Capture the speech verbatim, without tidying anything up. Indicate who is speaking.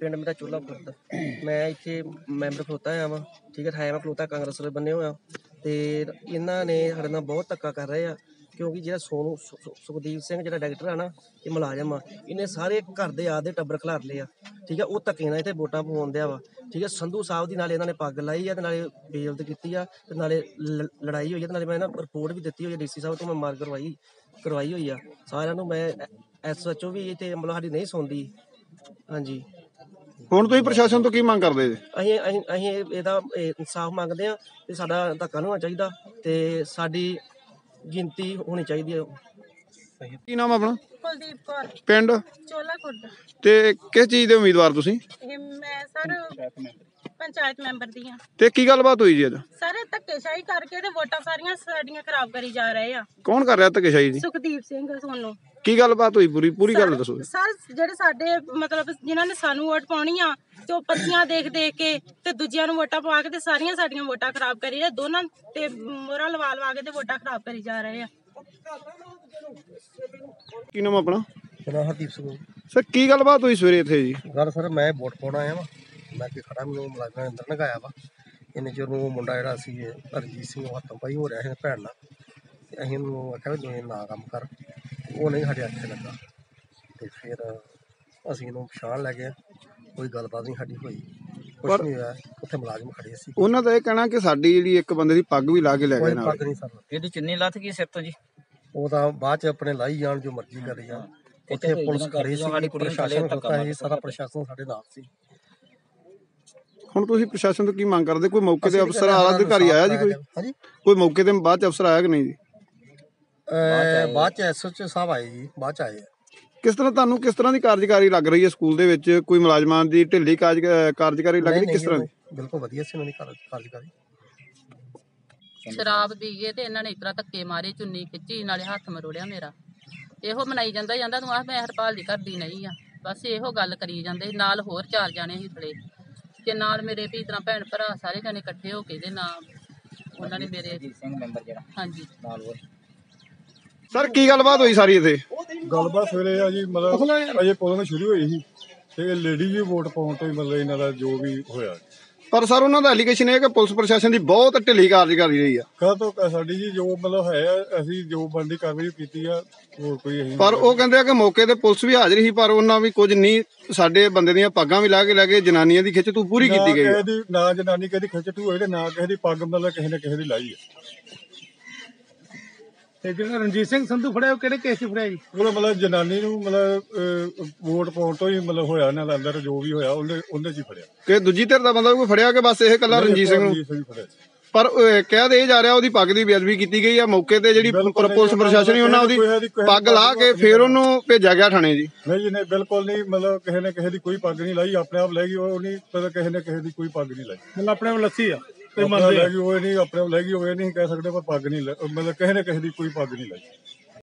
Speaker 1: ਪਿੰਡ ਮੇਰਾ ਚੋਲਾ ਖੁਰਦ। ਮੈਂ ਇੱਥੇ ਮੈਂਬਰ ਖਲੋਤਾ ਹੋਇਆ ਵਾਂ, ਠੀਕ ਹੈ। ਹੈ ਮੈਂ ਖਲੋਤਾ ਕਾਂਗਰਸ ਵਾਲੇ ਬੰਨੇ ਹੋਇਆ ਤੇ ਇਹਨਾਂ ਨੇ ਸਾਡੇ ਨਾਲ ਬਹੁਤ ਧੱਕਾ ਕਰ ਰਹੇ ਆ, ਕਿਉਂਕਿ ਜਿਹੜਾ ਸੋਨੂੰ ਸੁਖਦੀਪ ਸਿੰਘ ਜਿਹੜਾ ਡਾਇਰੈਕਟਰ ਆ ਨਾ, ਇਹ ਮੁਲਾਜ਼ਮ ਆ, ਇਹਨੇ ਸਾਰੇ ਘਰ ਦੇ ਆਦੇ ਟੱਬਰ ਖਿਲਾਰ ਲਏ ਆ, ਠੀਕ ਹੈ। ਉਹ ਧੱਕੇ ਨਾਲ ਇੱਥੇ ਵੋਟਾਂ ਪਵਾਉਣ ਦਿਆ ਵਾ, ਠੀਕ ਹੈ। ਸੰਧੂ ਸਾਹਿਬ ਦੀ ਨਾਲੇ ਇਹਨਾਂ ਨੇ ਪੱਗ ਲਾਈ ਆ ਤੇ ਨਾਲੇ ਬੇਇੱਜ਼ਤੀ ਕੀਤੀ ਆ ਤੇ ਨਾਲੇ ਲੜਾਈ ਹੋਈ ਆ ਤੇ ਨਾਲੇ ਮੈਂ ਨਾ ਰਿਪੋਰਟ ਵੀ ਦਿੱਤੀ ਹੋਈ ਆ ਡੀ ਸੀ ਸਾਹਿਬ ਤੋਂ, ਮੈਂ ਮਾਰ ਕਰਵਾਈ ਕਰਵਾਈ ਹੋਈ ਆ ਸਾਰਿਆਂ ਨੂੰ। ਮੈਂ ਐਸ ਐਚ ਓ ਵੀ ਇੱਥੇ ਮਤਲਬ ਸਾਡੀ ਨਹੀਂ ਸੁਣਦੀ। ਹਾਂਜੀ,
Speaker 2: ਹੁਣ ਤੁਸੀਂ ਪ੍ਰਸ਼ਾਸਨ ਤੋਂ ਕੀ ਮੰਗ ਕਰਦੇ ਜੀ?
Speaker 1: ਅਸੀਂ ਅਸੀਂ ਅਸੀਂ ਇਹਦਾ ਇਨਸਾਫ ਮੰਗਦੇ ਆ ਤੇ ਸਾਡਾ ਧੱਕਾ ਨਹੀਂ ਹੋਣਾ ਚਾਹੀਦਾ ਤੇ ਸਾਡੀ ਗਿਣਤੀ ਹੋਣੀ ਚਾਹੀਦੀ ਹੈ।
Speaker 2: ਕੀ ਨਾਮ ਆਪਣਾ?
Speaker 3: ਕੁਲਦੀਪ ਕੌਰ,
Speaker 2: ਪਿੰਡ
Speaker 3: ਚੋਲਾ ਖੁਰਦ।
Speaker 2: ਤੇ ਕਿਸ ਚੀਜ਼ ਦੇ ਉਮੀਦਵਾਰ ਤੁਸੀਂ?
Speaker 3: ਇਹ ਮੈਂ ਸਰ ਪੰਚਾਇਤ ਮੈਂਬਰ ਦੀ ਆ।
Speaker 2: ਤੇ ਕੀ ਗੱਲਬਾਤ ਹੋਈ ਜੀ ਅੱਜ?
Speaker 3: ਸਾਰੇ ਧੱਕੇਸ਼ਾਹੀ ਕਰਕੇ ਤੇ ਵੋਟਾਂ ਸਾਰੀਆਂ ਸਾਡੀਆਂ ਖਰਾਬ ਕਰੀ ਜਾ ਰਹੇ ਆ।
Speaker 2: ਕੌਣ ਕਰ ਰਿਹਾ ਧੱਕੇਸ਼ਾਹੀ ਜੀ?
Speaker 3: ਸੁਖਦੀਪ ਸਿੰਘ ਸੋਨੂੰ।
Speaker 2: ਕੀ ਗੱਲਬਾਤ ਹੋਈ? ਪੂਰੀ ਪੂਰੀ ਗੱਲ ਦੱਸੋ।
Speaker 3: ਸਰ ਜਿਹੜੇ ਸਾਡੇ ਮਤਲਬ ਜਿਨ੍ਹਾਂ ਨੇ ਸਾਨੂੰ ਵੋਟ ਪਾਉਣੀ ਆ ਤੇ ਉਹ ਪਰਚੀਆਂ ਦੇਖ ਦੇਖ ਕੇ ਤੇ ਦੂਜਿਆਂ ਨੂੰ ਵੋਟਾਂ ਪਵਾ ਕੇ ਤੇ ਸਾਰੀਆਂ ਸਾਡੀਆਂ ਵੋਟਾਂ ਖਰਾਬ ਕਰੀ ਰਹੇ, ਦੋਨਾਂ ਤੇ ਮੋਹਰਾਂ ਲਵਾ ਲਵਾ ਕੇ ਤੇ ਵੋਟਾਂ ਖਰਾਬ ਕਰੀ ਜਾ ਰਹੇ ਆ।
Speaker 2: ਕੀ ਨਾਮ ਆਪਣਾ?
Speaker 1: ਮੇਰਾ ਹਰਦੀਪ ਸਿੰਘ।
Speaker 2: ਸਰ ਕੀ ਗੱਲਬਾਤ ਹੋਈ ਸਵੇਰੇ ਇੱਥੇ ਜੀ?
Speaker 1: ਗੱਲ ਸਰ ਮੈਂ ਵੋਟ ਪਾਉਣ ਆਇਆ ਵਾ, ਮੈਂ ਕਿ ਖੜਾ ਮੈਨੂੰ ਮੁਲਾਜ਼ਮਾਂ ਨੇ ਅੰਦਰ ਲਗਾਇਆ ਵਾ। ਇੰਨੇ ਚਿਰ ਨੂੰ ਮੁੰਡਾ ਜਿਹੜਾ ਸੀ ਹਰਜੀਤ ਸਿੰਘ ਉਹ ਹੱਥੋਂ ਪਾਈ ਹੋ ਰਿਹਾ ਸੀ ਭੈਣ ਨਾਲ, ਤੇ ਅਸੀਂ ਉਹਨੂੰ ਆਖਿਆ ਵੀ ਤੂੰ ਨਾ ਕੰਮ ਕਰ, ਉਹ ਨਹੀਂ ਸਾਡੇ ਹੱਥੇ ਲੱਗਾ ਤੇ ਫਿਰ ਅਸੀਂ ਇਹਨੂੰ ਪਛਾਣ ਲੈ ਗਏ। ਕੋਈ ਗੱਲਬਾਤ ਨਹੀਂ ਸਾਡੀ ਹੋਈ, ਕੁਛ ਨਹੀਂ ਹੋਇਆ। ਉੱਥੇ ਮੁਲਾਜ਼ਮ ਖੜੇ ਸੀ,
Speaker 2: ਉਹਨਾਂ ਦਾ ਇਹ ਕਹਿਣਾ ਕਿ ਸਾਡੀ ਜਿਹੜੀ ਇੱਕ ਬੰਦੇ ਦੀ ਪੱਗ ਵੀ ਲਾ ਕੇ ਲੈ ਗਏ ਨਾਲ।
Speaker 1: ਪੱਗ ਨਹੀਂ ਸਰ,
Speaker 4: ਇਹਦੀ ਚੁੰਨੀ ਲੱਥ ਗਈ ਸਿਰ ਤੋਂ ਜੀ।
Speaker 1: ਉਹ ਤਾਂ ਬਾਅਦ ਚ ਆਪਣੇ ਲਾਈ ਜਾਣ ਜੋ ਮਰਜ਼ੀ ਕਰੀ ਜਾਣ। ਉੱਥੇ ਪੁਲਿਸ ਖੜੀ ਸੀ, ਪ੍ਰਸ਼ਾਸਨ ਖੜਤਾ ਸੀ, ਸਾਰਾ ਪ੍ਰਸ਼ਾਸਨ ਸਾਡੇ ਨਾਲ ਸੀ।
Speaker 2: ਹੁਣ ਤੁਸੀਂ ਪ੍ਰਸ਼ਾਸਨ ਤੋਂ ਕੀ ਮੰਗ ਕਰਦੇ? ਕੋਈ ਮੌਕੇ ਤੇ ਅਫਸਰ ਆਲਾ ਅਧਿਕਾਰੀ ਆਇਆ ਜੀ? ਕੋਈ
Speaker 1: ਹਾਂਜੀ,
Speaker 2: ਕੋਈ ਮੌਕੇ ਤੇ ਬਾਅਦ ਚ ਅਫਸਰ ਆਇਆ ਕਿ ਨਹੀਂ ਜੀ?
Speaker 1: ਬਾਅਦ ਚ ਐਸ ਐਚ ਓ ਸਾਹਿਬ ਆਏ ਜੀ, ਬਾਅਦ ਚ ਆਏ।
Speaker 2: ਕਿਸ ਤਰ੍ਹਾਂ ਤੁਹਾਨੂੰ ਕਿਸ ਤਰ੍ਹਾਂ ਦੀ ਕਾਰਜਕਾਰੀ ਲੱਗ ਰਹੀ ਹੈ ਸਕੂਲ ਦੇ ਵਿੱਚ? ਕੋਈ ਮੁਲਾਜ਼ਮਾਂ ਦੀ ਢਿੱਲੀ ਕਾਰਜਕਾਰੀ ਲੱਗ ਰਹੀ ਕਿਸ ਤਰ੍ਹਾਂ ਦੀ?
Speaker 1: ਬਿਲਕੁਲ ਵਧੀਆ ਸੀ ਉਹਨਾਂ ਦੀ ਕਾਰਜਕਾਰੀ।
Speaker 5: ਸ਼ਰਾਬ ਪੀ ਗਏ ਤੇ ਇਹਨਾਂ ਨੇ ਇਸ ਤਰ੍ਹਾਂ ਧੱਕੇ ਮਾਰੇ, ਚੁੰਨੀ ਖਿੱਚੀ, ਨਾਲੇ ਹੱਥ ਮਰੋੜਿਆ ਮੇਰਾ। ਇਹੋ ਮਨਾਈ ਜਾਂਦਾ ਜਾਂਦਾ ਤੂੰ ਆਹ ਮੈਂ ਹਰਪਾਲ ਦੀ ਕਰਦੀ ਨਹੀਂ ਆ, ਬਸ ਇਹੋ ਗੱਲ ਕਰੀ ਜਾਂਦੇ। ਨਾਲ ਹੋਰ ਚਾਰ ਜਾਣੇ ਸੀ ਥਲੇ ਤੇ ਨਾਲ ਮੇਰੇ ਵੀ ਤਰ੍ਹਾਂ ਭੈਣ ਭਰਾ ਸਾਰੇ ਜਾਣੇ ਇਕੱਠੇ ਹੋ ਕੇ ਦੇ ਨਾਮ ਉਹਨਾਂ ਨੇ ਮੇਰੇ
Speaker 4: ਸਿੰਘ ਮੈਂਬਰ ਜਿਹੜਾ
Speaker 5: ਹਾਂਜੀ
Speaker 4: ਨਾਲ ਹੋਰ।
Speaker 2: ਸਰ ਕੀ ਗੱਲਬਾਤ ਹੋਈ ਸਾਰੀ ਇੱਥੇ?
Speaker 6: ਗੱਲਬਾਤ ਸਵੇਰੇ ਆ ਜੀ, ਮਤਲਬ ਅਜੇ ਪੋਲਿੰਗ ਸ਼ੁਰੂ ਹੋਈ ਸੀ ਤੇ ਲੇਡੀ ਵੀ ਵੋਟ ਪਾਉਣ ਤੋਂ ਹੀ ਮਤਲਬ ਇਹਨਾਂ ਦਾ ਜੋ ਵੀ ਹੋਇਆ।
Speaker 2: ਪਰ ਸਰ ਉਹਨਾਂ ਦਾ ਐਲੀਗੇਸ਼ਨ ਇਹ ਹੈ ਕਿ ਪੁਲਿਸ ਪ੍ਰਸ਼ਾਸਨ ਦੀ ਬਹੁਤ ਢਿੱਲੀ ਕਾਰਜਕਾਰੀ ਰਹੀ ਆ।
Speaker 6: ਕਾਹ ਤੋਂ ਸਾਡੀ ਜੀ ਜੋ ਮਤਲਬ ਹੈ ਅਸੀਂ ਜੋ ਬਣਦੀ ਕਾਰਵਾਈ ਕੀਤੀ ਆ, ਹੋਰ ਕੋਈ ਅਸੀਂ।
Speaker 2: ਪਰ ਉਹ ਕਹਿੰਦੇ ਆ ਕਿ ਮੌਕੇ ਤੇ ਪੁਲਿਸ ਵੀ ਹਾਜ਼ਰ ਸੀ, ਪਰ ਉਹਨਾਂ ਵੀ ਕੁਝ ਨਹੀਂ, ਸਾਡੇ ਬੰਦੇ ਦੀਆਂ ਪੱਗਾਂ ਵੀ ਲਾ ਕੇ ਲੈ ਗਏ, ਜਨਾਨੀਆਂ ਦੀ ਖਿੱਚ ਤੂੰ ਪੂਰੀ ਕੀਤੀ ਗਈ।
Speaker 6: ਕਿਸੇ ਦੀ ਨਾ ਜਨਾਨੀ ਕਿਸੇ ਦੀ ਖਿੱਚ ਤੂੰ ਹੋਈ ਤੇ ਨਾ ਕਿਸੇ ਦੀ ਪੱਗ ਮਤਲਬ ਕਿਸੇ ਨੇ ਕਿਸੇ ਦੀ ਲਾਈ ਆ।
Speaker 7: ਤੇ ਜਿਹੜਾ ਰਣਜੀਤ ਸਿੰਘ ਸੰਧੂ ਫੜਿਆ ਉਹ ਕਿਹੜੇ ਕੇਸ 'ਚ ਫੜਿਆ ਜੀ?
Speaker 6: ਉਹ ਮਤਲਬ ਜਨਾਨੀ ਨੂੰ ਮਤਲਬ ਵੋਟ ਪਾਉਣ ਤੋਂ ਹੀ ਮਤਲਬ ਹੋਇਆ ਇਹਨਾਂ ਦਾ ਅੰਦਰ ਜੋ ਵੀ ਹੋਇਆ ਉਹਨੇ ਉਹਨੇ 'ਚ ਹੀ ਫੜਿਆ।
Speaker 2: ਕਿ ਦੂਜੀ ਧਿਰ ਦਾ ਬੰਦਾ ਕੋਈ ਫੜਿਆ ਕਿ ਬਸ ਇਹ ਇਕੱਲਾ ਰਣਜੀਤ ਸਿੰਘ ਨੂੰ? ਪਰ ਕਹਿ ਦੇ ਜਾ ਰਿਹਾ ਉਹਦੀ ਪੱਗ ਦੀ ਬੇਅਦਬੀ ਕੀਤੀ ਗਈ ਆ। ਮੌਕੇ ਤੇ ਜਿਹੜੀ ਪੁਲਿਸ ਪ੍ਰਸ਼ਾਸਨ ਹੀ ਉਹਨਾਂ ਉਹਦੀ ਪੱਗ ਲਾ ਕੇ ਫਿਰ ਉਹਨੂੰ ਭੇਜਿਆ ਗਿਆ ਥਾਣੇ ਜੀ।
Speaker 6: ਨਹੀਂ ਜੀ ਨਹੀਂ, ਬਿਲਕੁਲ ਨਹੀਂ। ਮਤਲਬ ਕਿਸੇ ਨੇ ਕਿਸੇ ਦੀ ਕੋਈ ਪੱਗ ਨਹੀਂ ਲਾਈ, ਆਪਣੇ ਆਪ ਲੈ ਗਈ। ਉਹ ਨਹੀਂ ਪਤਾ ਕਿਸੇ ਨੇ ਕਿਸੇ ਦੀ ਕੋਈ ਪੱਗ ਨਹੀਂ ਲਾਈ,
Speaker 7: ਮਤਲਬ ਆਪਣੇ ਆਪ ਲੱਸੀ ਆ
Speaker 6: ਲੈ ਗਈ। ਉਹ ਨਹੀਂ ਆਪਣੇ ਆਪ ਲੈ ਗਈ, ਉਹ ਇਹ ਨਹੀਂ ਕਹਿ ਸਕਦੇ ਪਰ ਪੱਗ ਨਹੀਂ ਮਤਲਬ ਕਿਸੇ ਨੇ ਕਿਸੇ ਦੀ ਕੋਈ ਪੱਗ ਨਹੀਂ ਲਾਈ।